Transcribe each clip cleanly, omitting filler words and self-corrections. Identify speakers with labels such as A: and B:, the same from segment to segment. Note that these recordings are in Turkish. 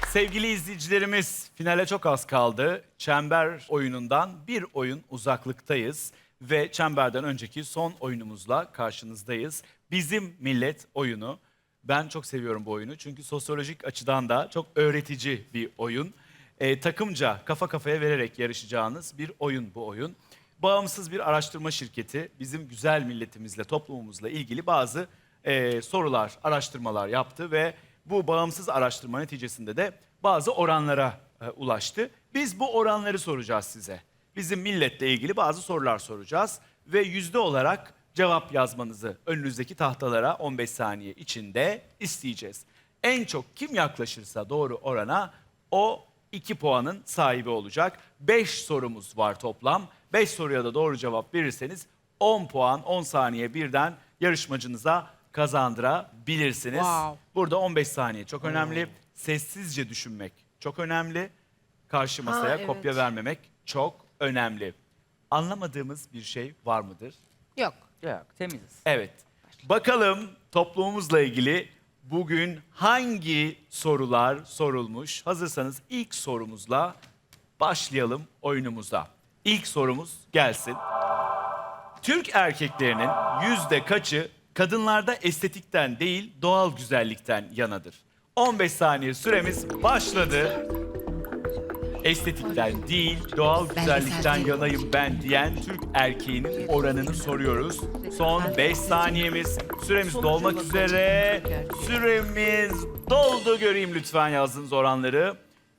A: Sevgili izleyicilerimiz, finale çok az kaldı. Çember oyunundan bir oyun uzaklıktayız ve çemberden önceki son oyunumuzla karşınızdayız. Bizim Millet oyunu. Ben çok seviyorum bu oyunu çünkü sosyolojik açıdan da çok öğretici bir oyun. Takımca kafa kafaya vererek yarışacağınız bir oyun bu oyun. Bağımsız bir araştırma şirketi bizim güzel milletimizle, toplumumuzla ilgili bazı sorular, araştırmalar yaptı ve bu bağımsız araştırma neticesinde de bazı oranlara ulaştı. Biz bu oranları soracağız size. Bizim milletle ilgili bazı sorular soracağız ve yüzde olarak cevap yazmanızı önünüzdeki tahtalara 15 saniye içinde isteyeceğiz. En çok kim yaklaşırsa doğru orana o 2 puanın sahibi olacak. 5 sorumuz var toplam. 5 soruya da doğru cevap verirseniz 10 puan 10 saniye birden yarışmacınıza kazandırabilirsiniz.
B: Wow.
A: Burada 15 saniye çok önemli. Sessizce düşünmek çok önemli. Karşı masaya
B: evet.
A: kopya vermemek çok önemli. Anlamadığımız bir şey var mıdır?
B: Yok.
C: Yok, temiziz.
A: Evet. Bakalım toplumumuzla ilgili bugün hangi sorular sorulmuş? Hazırsanız ilk sorumuzla başlayalım oyunumuza. İlk sorumuz gelsin. Türk erkeklerinin yüzde kaçı kadınlarda estetikten değil doğal güzellikten yanadır? 15 saniye süremiz başladı. Estetikten değil doğal güzellikten yanayım ben diyen Türk erkeğinin oranını soruyoruz. Son 5 saniyemiz. Süremiz dolmak üzere. Süremiz doldu. Göreyim lütfen yazdığınız oranları.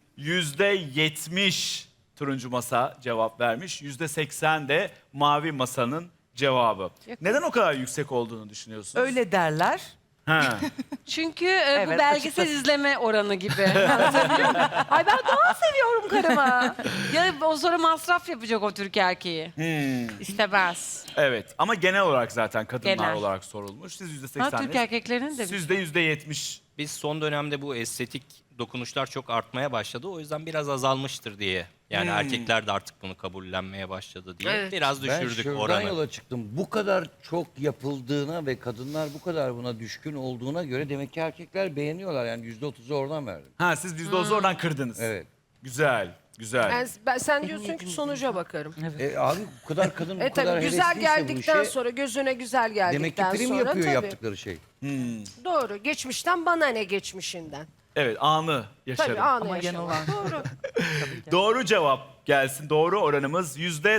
A: %70 turuncu masa cevap vermiş. %80 de mavi masanın cevabı. Neden o kadar yüksek olduğunu düşünüyorsunuz?
C: Öyle derler.
A: Ha.
B: Çünkü
C: Evet,
B: bu belgesel
C: açıkçası.
B: izleme oranı gibi. Ay ben doğal seviyorum karımı. Ya o sonra masraf yapacak o Türk erkeği. İstemez.
A: Evet ama genel olarak zaten kadınlar
B: Genel.
A: olarak sorulmuş. Siz
B: Ha,
A: %80'iniz.
B: Türk erkeklerinin de bir
A: Siz de %70.
D: Biz son dönemde bu estetik dokunuşlar çok artmaya başladı. O yüzden biraz azalmıştır diye. Yani erkekler de artık bunu kabullenmeye başladı diye.
B: Evet.
D: Biraz
E: Ben
D: düşürdük
E: şuradan
D: oranı.
E: yola çıktım. Bu kadar çok yapıldığına ve kadınlar bu kadar buna düşkün olduğuna göre demek ki erkekler beğeniyorlar. Yani %30'u oradan verdim.
A: Ha siz %30'u oradan kırdınız.
E: Evet.
A: Güzel, güzel.
F: Sen diyorsun ki sonuca bakarım.
E: Abi bu kadar kadın bu kadar
F: Tabii güzel
E: hevesliyse bu
F: geldikten
E: işe,
F: sonra, gözüne güzel
E: demek ki
F: geldikten
E: prim
F: sonra
E: yapıyor
F: tabii.
E: yaptıkları şey.
F: Doğru. Geçmişten bana ne geçmişinden.
A: Evet, anı yaşarım.
F: Tabii anı
C: Ama
F: yaşamak.
C: genel
F: Doğru.
A: Doğru cevap gelsin. Doğru oranımız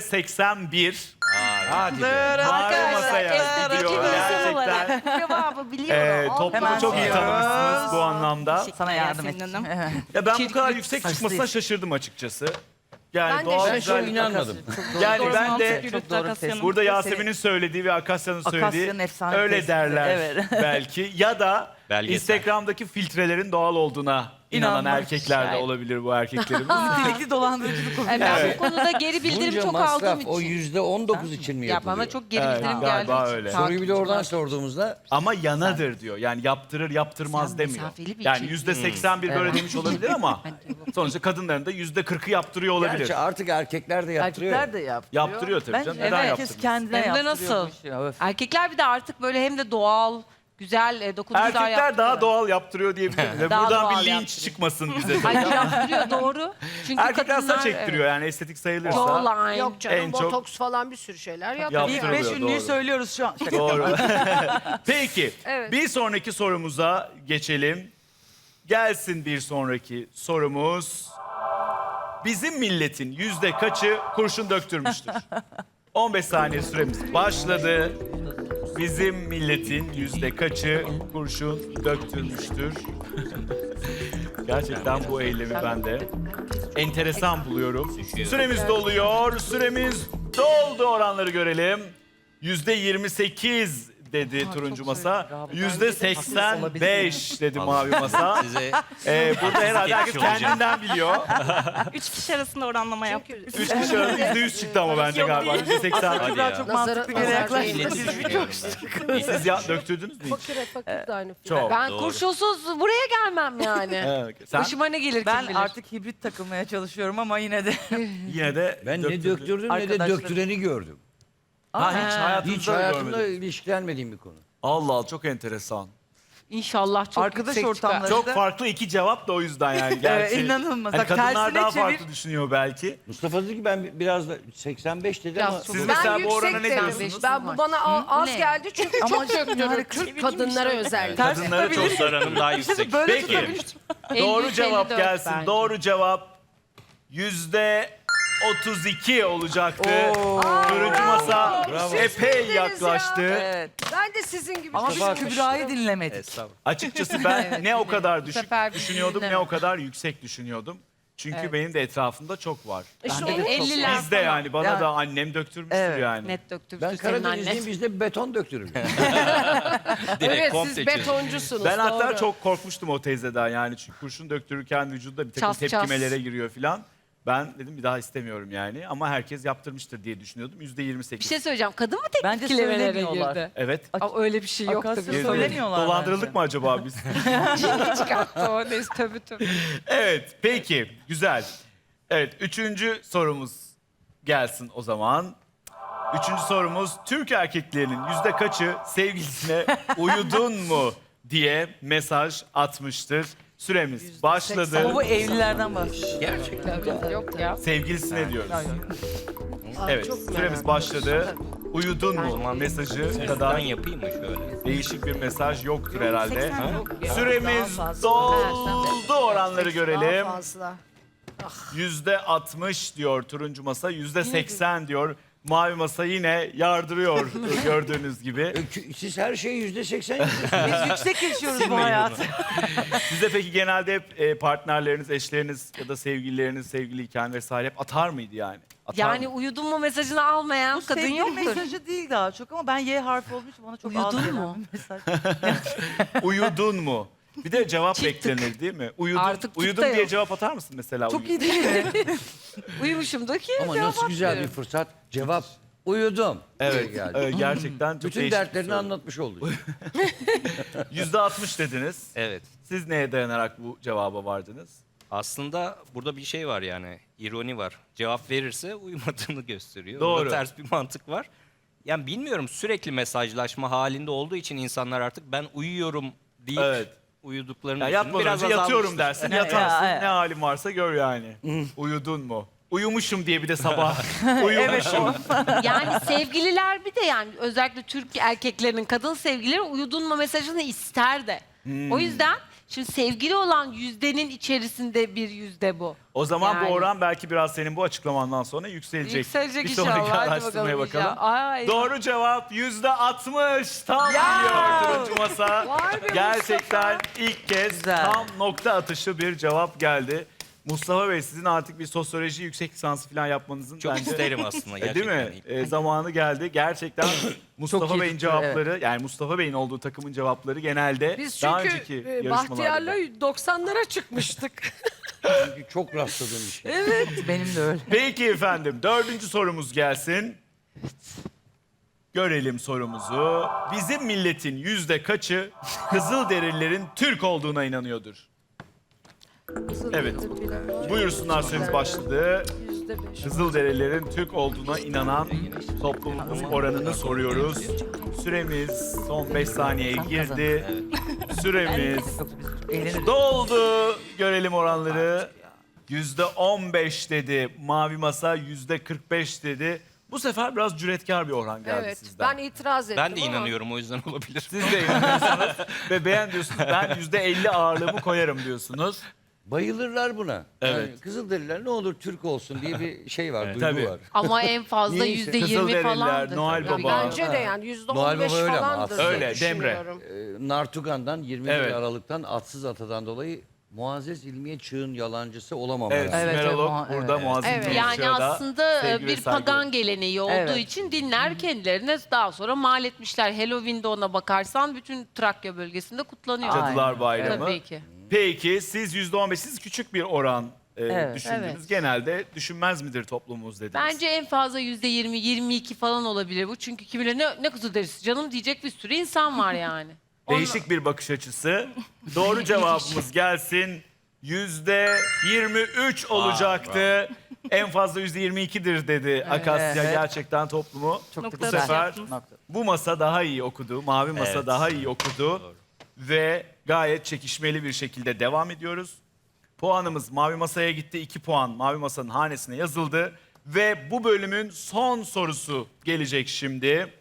A: %81.
E: Hadi be.
A: Mavi masaya gidiyor gerçekten.
B: Cevabı biliyorum.
A: Toplumu
C: Hemen
A: çok iyi
C: soruyoruz.
A: tanımışsınız bu anlamda.
C: Sana yardım
B: Yasemin
C: edeceğim.
B: Hanım.
A: Ya ben bu kadar
B: Kirpik
A: yüksek
C: saçlı.
A: çıkmasına şaşırdım açıkçası. Yani
F: Ben de
A: doğal
E: Ben şöyle
A: güzellik.
E: inanmadım.
A: Yani ben de
C: Çok doğru tespit.
A: burada Yasemin'in söylediği ve Akasya'nın söylediği
C: Akasya'nın efsane
A: öyle
C: tespiti,
A: derler
C: evet.
A: belki. Ya da
D: Belgesel.
A: Instagram'daki filtrelerin doğal olduğuna inanan
C: İnanmak.
A: erkekler de olabilir bu erkeklerimiz.
C: Nitelikli dolandırıcılık oluyor.
B: Ben bu konuda geri bildirim
E: Bunca
B: çok
E: masraf
B: aldığım
E: o
B: için.
E: %19 için mi
B: Ya
E: yapılıyor?
B: bana çok geri
A: Evet,
B: bildirim
A: galiba
B: geldiği için.
A: öyle.
E: Soruyu bir de oradan
B: Takipçim var.
E: sorduğumuzda
A: Ama yanadır diyor. Yani yaptırır yaptırmaz
B: Sen
A: demiyor.
B: mesafeli bir
A: Yani
B: çift.
A: %81 böyle
C: Evet.
A: demiş olabilir ama sonuçta kadınların da %40'ı yaptırıyor olabilir.
E: gerçi artık erkekler de yaptırıyor.
C: Erkekler de yaptırıyor.
A: Yaptırıyor tabii
C: Bence
A: canım. Neden
C: herkes
A: yaptırmıyor?
C: kendine
B: Hem de
C: yaptırıyormuş
B: nasıl?
C: ya, öf.
B: Erkekler bir de artık böyle hem de doğal, güzel dokunuşlar
A: Erkekler
B: yaptırıyor.
A: daha doğal yaptırıyor diyebilirim. Ve
B: Daha
A: buradan
B: doğal
A: bir linç
B: yaptırıyor.
A: çıkmasın bize. de.
B: Hayır yaptırıyor doğru. Çünkü
A: Erkekler
B: kadınlar,
A: saç ektiriyor yani estetik sayılırsa.
B: Jawline.
F: Yok canım,
A: En çok-
F: botoks falan bir sürü şeyler yapıyor.
C: İlk
A: Yaptırılıyor,
C: 5 ünlüyü
A: doğru.
C: söylüyoruz şu an. Şaka.
A: Doğru. Peki
F: Evet.
A: bir sonraki sorumuza geçelim. Gelsin bir sonraki sorumuz. Bizim milletin yüzde kaçı kurşun döktürmüştür? 15 saniye süremiz başladı. Bizim milletin yüzde kaçı kurşun döktürmüştür? Gerçekten bu eylemi ben de enteresan buluyorum. Süremiz doluyor. Süremiz doldu. Oranları görelim. %28 dedi turuncu masa. %85 dedi mavi masa.
D: Size
A: Burada herhalde herkes
D: geçmiş olacak.
A: kendinden biliyor.
G: 3 kişi arasında oranlama yaptık.
A: Üç kişi arasında %100 çıktı ama bence galiba. %80.
D: Hadi
C: Daha
D: ya.
C: çok
F: Nazara-
C: mantıklı bir
F: nazar
C: yaklaşım.
D: İletişim
A: Siz ya döktürdünüz mü hiç?
F: Fakir de aynı.
A: Çok.
B: Ben
D: Doğru.
B: kurşunsuz buraya gelmem yani.
A: Evet. Sen
B: Başıma ne gelir kim
C: Ben
B: bilir.
C: artık hibrit takılmaya çalışıyorum ama yine de.
A: yine de
E: Ben ne
A: döktürdün.
E: döktürdüm ne de
C: Arkadaşlar-
E: döktüreni gördüm.
A: Ha, hiç hayatınızda
E: Hiç
A: da
E: hayatımda
A: görmedim.
E: ilişkilenmediğim bir konu.
A: Allah Allah çok enteresan.
B: İnşallah çok
C: Arkadaş
B: yüksek çıkar.
C: ortamları.
A: Çok farklı iki cevap da o yüzden yani. Gerçi,
C: inanılmaz.
A: Hani
C: Bak,
A: kadınlar
C: tersine
A: daha
C: çevir.
A: farklı düşünüyor belki.
E: Mustafa dedi ki ben biraz da 85 dedi
B: Biraz
E: ama
B: çok-
A: Siz
F: Ben
A: mesela bu orana
F: yüksek
A: ne
F: dedim.
A: diyorsunuz?
F: Ben bu bana az
B: ne?
F: geldi çünkü
C: Ama
F: çok döktürür.
C: harika.
F: Türk kadınlara özellikle.
C: Ters
A: Kadınlara çok
C: tutabilir.
D: Dostlarının daha yüksek.
C: Böyle
A: Peki.
C: tutabilir.
A: Doğru
B: 53,
A: cevap
B: 54
A: gelsin.
B: bence.
A: Doğru cevap %32 olacaktı. Turuncu masa epey
F: bildiniz
A: yaklaştı.
C: Evet.
F: Ben de sizin gibi
C: Ama biz
F: düşünmüştüm.
C: Kübra'yı dinlemedik.
D: Estağfurullah.
A: Açıkçası ben ne o kadar düşük
B: sefer
A: düşünüyordum ne
B: dinleme.
A: o kadar yüksek düşünüyordum. Çünkü benim de etrafımda çok var.
F: İşte
C: Bende de
F: onu
C: çok-
B: 50'ler
A: Bizde
B: falan.
A: yani bana
C: Yani-
A: da annem döktürmüştür
C: Evet.
A: yani.
B: Net döktürdü
E: ben
B: senin annen.
E: Karadenizliyim bizde beton döktürür.
D: Direkt
F: Evet
D: komple
F: siz
D: çözüm.
F: betoncusunuz.
A: Ben hatta
F: doğru.
A: çok korkmuştum o teyzeden yani çünkü kurşun döktürürken vücudda bir takım
B: Ças, ças.
A: tepkimelere giriyor filan. Ben dedim bir daha istemiyorum yani ama herkes yaptırmıştır diye düşünüyordum. %28.
B: Bir şey söyleyeceğim. Kadın mı
C: Bence
B: tepkilemelere
C: söylemiyorlar.
B: girdi?
A: Evet.
B: Ama öyle bir şey yok
C: Akasya
B: tabii.
C: söylemiyorlar
A: Dolandırıldık
C: bence.
A: mı acaba biz?
B: Cin çıkarttı o. Neyse tabii.
A: Evet, peki. Güzel. Evet, üçüncü sorumuz gelsin o zaman. Üçüncü sorumuz, Türk erkeklerinin yüzde kaçı sevgilisine uyudun mu diye mesaj atmıştır. Süremiz başladı.
C: Ama bu evlilerden bahsediyor.
D: Gerçekten.
B: Yok ya.
A: Sevgilisine diyoruz.
F: Aa,
A: Evet,
F: çok merak
A: süremiz
F: ettim.
A: başladı. Uyudun
D: O
A: mu
D: zaman
A: mesajı
D: Ben
A: kadar
D: yapayım mı şöyle?
A: değişik bir mesaj yoktur herhalde.
F: Ya,
A: Süremiz
F: daha fazla.
A: doldu, oranları görelim.
F: Daha fazla.
A: %60 diyor turuncu masa, %80 diyor. Mavi masa yine yardırıyor gördüğünüz gibi.
E: Siz her şeyi %80
C: Biz yüksek yaşıyoruz bu hayatı.
A: Size peki genelde hep partnerleriniz, eşleriniz ya da sevgilileriniz sevgiliyken vesaire hep atar mıydı yani? Atar
B: Yani
A: mı?
B: uyudun mu mesajını almayan
C: Bu
B: kadın
C: sevgili
B: yoktur.
C: mesajı değil daha çok ama ben Y harfi olduğu için bana çok
B: Uyudun
C: az gelen
B: mu?
C: bir mesaj.
A: Uyudun mu? Bir de cevap
B: Çıktık.
A: beklenir değil mi? Uyudun,
B: Artık tık
A: uyudun
B: da
A: diye
B: yok.
A: cevap atar mısın mesela?
C: Çok
A: uyudun?
C: iyi değil mi?
B: Uyumuşumdur ki
E: ama
B: cevap
E: nasıl güzel bir
B: atmıyorum.
E: fırsat. Cevap uyudum.
A: Evet,
E: Geldi.
A: evet, gerçekten çok
E: Bütün
A: değişik bir
E: dertlerini
A: soru.
E: anlatmış olduk.
A: %60 dediniz.
D: Evet.
A: Siz neye dayanarak bu cevaba vardınız?
D: Aslında burada bir şey var yani. İroni var. Cevap verirse uyumadığını gösteriyor.
A: Doğru.
D: Burada ters bir mantık var. Yani bilmiyorum, sürekli mesajlaşma halinde olduğu için insanlar artık ben uyuyorum deyip
A: Evet.
D: uyuduklarını
A: Ya
D: düşünüyor.
A: yatmadan önce yatıyorum
D: azalmıştır.
A: dersin, yatarsın.
C: Ya,
A: Ne halin varsa gör yani. Uyudun mu? Uyumuşum diye bir de sabah. Uyumuşum.
B: Yani sevgililer bir de yani özellikle Türk erkeklerinin kadın sevgilileri uyudun mu mesajını ister de. O yüzden şimdi sevgili olan yüzdenin içerisinde bir yüzde bu.
A: O zaman
B: Yani.
A: bu oran belki biraz senin bu açıklamandan sonra yükselecek.
B: Yükselecek
A: bir sonraki
B: inşallah. Hadi
A: araştırmaya
B: bakalım
A: bakalım.
B: inşallah. Ay.
A: Doğru cevap %60. Tam biliyor turuncu masa.
F: Vay be
A: Gerçekten ilk kez
C: Güzel.
A: tam nokta atışı bir cevap geldi. Mustafa Bey sizin artık bir sosyoloji yüksek lisansı falan yapmanızın
D: Çok
A: bence
D: isterim aslında
A: değil
D: gerçekten.
A: mi? Zamanı geldi. Gerçekten Mustafa
C: iyi
A: Bey'in
C: tutuyor,
A: cevapları yani Mustafa Bey'in olduğu takımın cevapları genelde
F: Biz
A: daha
F: çünkü
A: önceki
F: Bahtiyar'la
A: yarışmalarda.
F: 90'lara çıkmıştık.
E: Çünkü çok rastladığım bir şey.
C: Benim de öyle.
A: Peki efendim dördüncü sorumuz gelsin. Görelim sorumuzu. Bizim milletin yüzde kaçı Kızılderililerin Türk olduğuna inanıyordur? Evet. Buyursunlar süremiz başladı.
F: %5.
A: Kızılderililerin Türk olduğuna inanan toplumumuz oranını soruyoruz. Süremiz son 5 saniyeye girdi. Süremiz
C: Yoksa biz eğleniriz.
A: doldu. Görelim oranları. %15 dedi. Mavi masa %45 dedi. Bu sefer biraz cüretkar bir oran geldi
F: Evet
A: sizden.
F: ben itiraz ettim
D: Ben de
F: ama
D: inanıyorum, o yüzden olabilir.
A: Siz de inanıyorsunuz ve beğen diyorsunuz. Ben %50 ağırlığımı koyarım diyorsunuz.
E: Bayılırlar buna.
A: Evet.
E: Yani Kızılderililer ne olur Türk olsun diye bir şey var, duygu
A: Tabii.
E: var.
B: Ama en fazla
E: Niyeyse.
B: %20
A: Kızılderililer,
B: falandır.
A: Noel
B: tabii.
A: Baba.
F: bence de yani
E: Noel
F: %15
E: Baba öyle ama
F: falandır
E: aslında.
F: diye
A: Öyle, Demre.
F: düşünüyorum.
E: Nartugan'dan 21
A: Evet.
E: Aralık'tan atsız atadan dolayı Muazzez İlmiye Çığ'ın yalancısı olamam.
A: Evet,
E: herhalde.
C: Evet,
A: Sümerolog
C: evet,
A: burada
C: evet.
A: Muazzez
F: Evet.
A: İlmiye
B: Yani
A: Çığ'da
B: aslında
A: sevgi ve
B: bir
A: saygı.
B: pagan geleneği olduğu
C: Evet.
B: için dinler kendilerine daha sonra mal etmişler. Halloween'de ona bakarsan bütün Trakya bölgesinde kutlanıyor.
A: Cadılar
C: Aynen,
A: Bayramı.
B: Tabii ki.
A: Peki siz %15, siz küçük bir oran
C: Evet.
A: düşündünüz.
B: Evet.
A: Genelde düşünmez midir toplumumuz dediniz.
B: Bence en fazla %20, 22 falan olabilir bu. Çünkü kimileri ne Kızılderisi canım diyecek bir sürü insan var yani.
A: Değişik bir bakış açısı. Doğru cevabımız gelsin. %23 olacaktı. En fazla %22'dir dedi Akasya.
C: Evet.
A: Gerçekten toplumu
C: Çok da
A: bu
C: güzel.
A: sefer
C: Nokta.
A: bu masa daha iyi okudu. Mavi masa
D: Evet.
A: daha iyi okudu.
D: Doğru.
A: ve gayet çekişmeli bir şekilde devam ediyoruz. Puanımız Mavi Masa'ya gitti. 2 puan Mavi Masa'nın hanesine yazıldı. Ve bu bölümün son sorusu gelecek şimdi.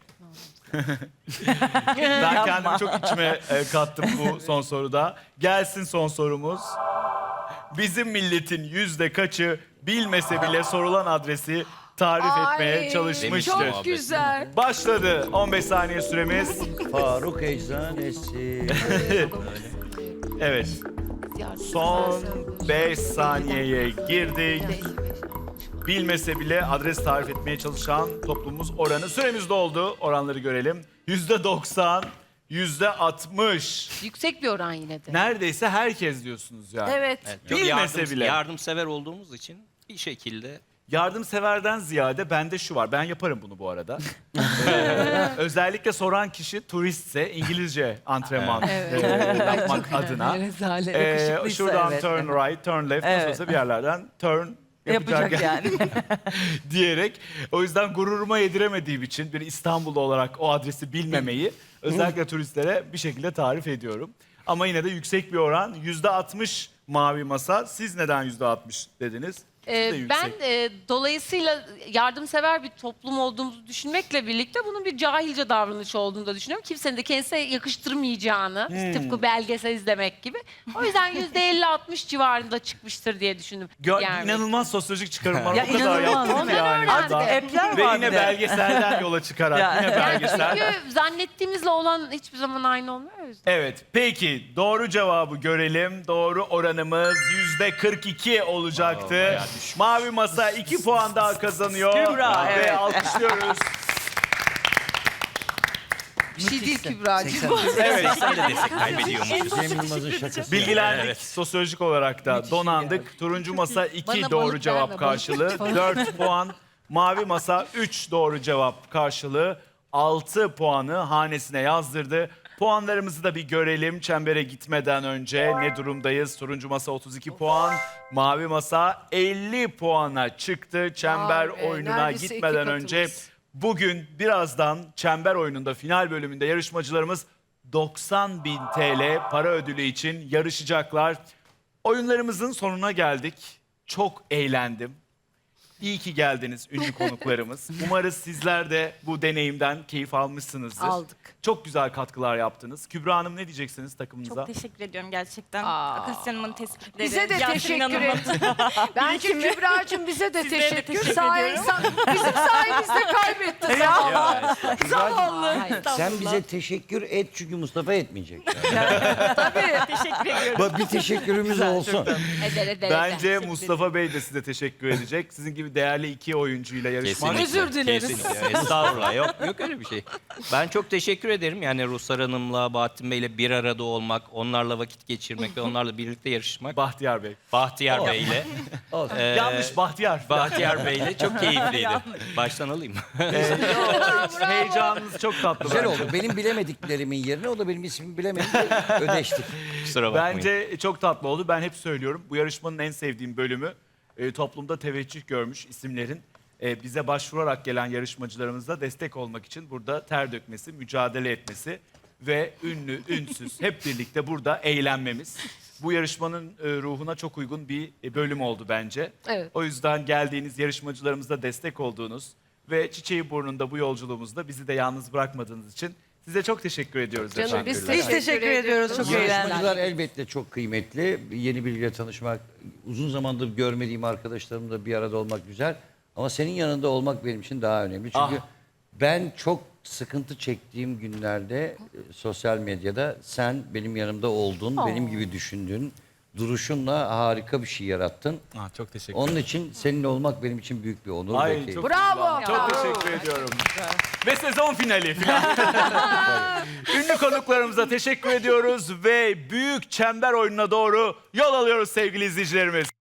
A: Ben kendimi çok içime kattım bu son soruda. Gelsin son sorumuz. Bizim milletin yüzde kaçı bilmese bile sorulan adresi tarif etmeye çalışmıştır?
F: Çok güzel.
A: Başladı. 15 saniye süremiz.
E: Faruk Eczanesi.
A: Evet. Son 5 saniyeye girdik. Bilmese bile adres tarif etmeye çalışan toplumumuz oranı. Süremiz doldu. Oranları görelim. %90, %60.
B: Yüksek bir oran yine de.
A: Neredeyse herkes diyorsunuz yani.
F: Evet.
D: Çok
A: Bilmese bile.
D: yardımsever olduğumuz için bir şekilde
A: Yardımseverden ziyade bende şu var. Ben yaparım bunu bu arada. Özellikle soran kişi turistse İngilizce antrenman yapmak adına.
C: Rezalet. Yakışıklıysa
A: Şuradan
C: evet.
A: turn right, turn left, nasıl
C: Evet.
A: olsa bir yerlerden turn
C: Yapacak yani.
A: diyerek. O yüzden gururuma yediremediğim için bir İstanbullu olarak o adresi bilmemeyi özellikle turistlere bir şekilde tarif ediyorum. Ama yine de yüksek bir oran. %60 Mavi Masa. Siz neden %60 dediniz? Siz de yüksek.
B: Ben dolayısıyla yardımsever bir toplum olduğumuzu düşünmekle birlikte bunun bir cahilce davranış olduğunu da düşünüyorum. Kimsenin de kendisine yakıştırmayacağını, tıpkı belgesel izlemek gibi. O yüzden %50-60 civarında çıkmıştır diye düşündüm. Yani.
A: İnanılmaz sosyolojik çıkarımlar
C: Ya
A: o kadar
C: inanılmaz.
A: yaptım ki yani.
C: Artık
A: burada.
C: app'ler
A: Ve
C: var
A: yine
C: bir de.
A: belgeselden yola çıkarak
C: Ya.
A: yine belgesel.
B: Çünkü zannettiğimizle olan hiçbir zaman aynı olmuyor o yüzden.
A: Evet, peki doğru cevabı görelim. Doğru oranımız %42 olacaktı. Mavi Masa 2 puan daha kazanıyor.
C: Kübra,
A: Ve
C: evet.
A: alkışlıyoruz.
B: Bir şey değil Kübra'cığım.
A: Evet,
D: sen de destek kaybediyormuşuz.
E: Cem Yılmaz'ın şakası.
A: bilgilendik
D: Evet.
A: sosyolojik olarak da donandık. Turuncu Masa 2
B: Bana
A: doğru
B: balık
A: cevap
B: verme,
A: karşılığı, 4 puan. Mavi Masa 3 doğru cevap karşılığı, 6 puanı hanesine yazdırdı. Puanlarımızı da bir görelim çembere gitmeden önce ne durumdayız? Turuncu Masa 32 puan, Mavi Masa 50 puana çıktı çember
F: Vay be,
A: oyununa
F: neredeyse iki
A: gitmeden
F: katımız.
A: önce. Bugün birazdan çember oyununda final bölümünde yarışmacılarımız 90.000 TL para ödülü için yarışacaklar. Oyunlarımızın sonuna geldik. Çok eğlendim. İyi ki geldiniz ünlü konuklarımız. Umarız sizler de bu deneyimden keyif almışsınızdır.
B: Aldık.
A: Çok güzel katkılar yaptınız. Kübra Hanım ne diyeceksiniz takımınıza?
G: Çok teşekkür ediyorum gerçekten.
B: Aa.
G: Akasya Hanım'ın tespitleri.
F: Bize de
G: Yasemin
F: teşekkür
G: Hanım'ın-
F: et. Bence Kübra'cığım bize de
G: Sizlere de
F: teşekkür.
G: teşekkür
F: Bizim sayemizde kaybetti.
B: Hayır.
E: Sen bize teşekkür et çünkü Mustafa etmeyecek.
G: Teşekkür ediyorum.
E: Bak bir teşekkürümüz olsun.
B: Eder.
A: Bence Mustafa Bey de size teşekkür edecek. Sizin gibi değerli iki oyuncuyla yarışmak.
D: Kesinlikle.
B: Özür dileriz.
D: Kesinlikle. Estağfurullah. Yok öyle bir şey. Ben çok teşekkür ederim. Yani Ruhsar Hanım'la, Bahattin Bey'le bir arada olmak, onlarla vakit geçirmek ve onlarla birlikte yarışmak.
A: Bahtiyar Bey.
D: Bahtiyar Bey'le.
E: Olsun.
A: Yanlış Bahtiyar.
D: Bahtiyar Bey'le çok keyifliydi. Baştan alayım.
A: Heyecanınız çok tatlı
E: Güzel
A: bence.
E: oldu. Benim bilemediklerimin yerine o da benim ismimi bilemedi. Ödeştik.
D: Kusura bakmayın.
A: Bence çok tatlı oldu. Ben hep söylüyorum. Bu yarışmanın en sevdiğim bölümü toplumda teveccüh görmüş isimlerin bize başvurarak gelen yarışmacılarımıza destek olmak için burada ter dökmesi, mücadele etmesi ve ünlü, ünsüz hep birlikte burada eğlenmemiz. Bu yarışmanın ruhuna çok uygun bir bölüm oldu bence.
B: Evet.
A: O yüzden geldiğiniz yarışmacılarımıza destek olduğunuz ve çiçeği burnunda bu yolculuğumuzda bizi de yalnız bırakmadığınız için size çok teşekkür ediyoruz
F: Canım
A: efendim.
F: biz
C: Biz teşekkür ediyoruz. Çok eğlendik.
E: Yarışmacılar elbette çok kıymetli. Yeni biriyle tanışmak, uzun zamandır görmediğim arkadaşlarımla bir arada olmak güzel. Ama senin yanında olmak benim için daha önemli. Çünkü ben çok sıkıntı çektiğim günlerde sosyal medyada sen benim yanımda oldun, benim gibi düşündün. Duruşunla harika bir şey yarattın.
A: Çok teşekkür
E: Onun için seninle olmak benim için büyük bir onur. ve
A: Ay,
E: keyif.
A: çok
F: Bravo.
A: Çok teşekkür ediyorum. Ve sezon finali. Ünlü konuklarımıza teşekkür ediyoruz ve büyük çember oyununa doğru yol alıyoruz sevgili izleyicilerimiz.